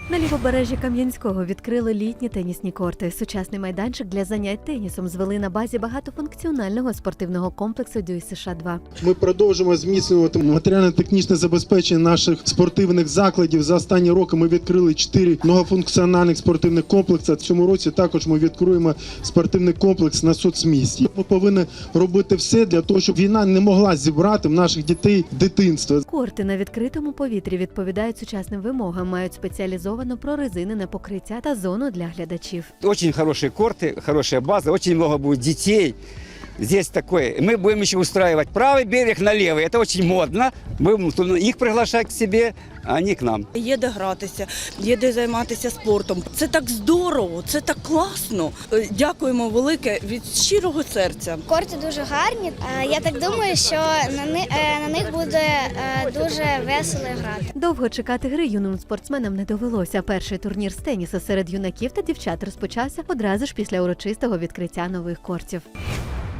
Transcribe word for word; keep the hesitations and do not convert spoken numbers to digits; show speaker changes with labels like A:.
A: На лівобережжі Кам'янського відкрили літні тенісні корти. Сучасний майданчик для занять тенісом звели на базі багатофункціонального спортивного комплексу Дю Ес Еш два.
B: Ми продовжуємо зміцнювати матеріально-технічне забезпечення наших спортивних закладів. За останні роки ми відкрили чотири многофункціональних спортивних комплекси. В цьому році також ми відкриємо спортивний комплекс на соцмісті. Ми повинні робити все для того, щоб війна не могла зібрати в наших дітей дитинство.
A: Корти на відкритому повітрі відповідають сучасним вимогам, мають спеціалізовано прорезинене покриття та зону для глядачів.
C: Очень хорошие корты, хорошая база, очень много будет детей. Здесь такое. Мы будем еще устраивать правый берег на левый. Это очень модно. Будем их приглашать к себе, а они к нам.
D: Є де гратися, є де займатися спортом. Це так здорово, це так класно. Дякуємо велике від щирого серця.
E: Корти дуже гарні. Я так думаю, що на них, на них буде дуже весело грати.
A: Довго чекати гри юним спортсменам не довелося. Перший турнір з тенісу серед юнаків та дівчат розпочався одразу ж після урочистого відкриття нових кортів.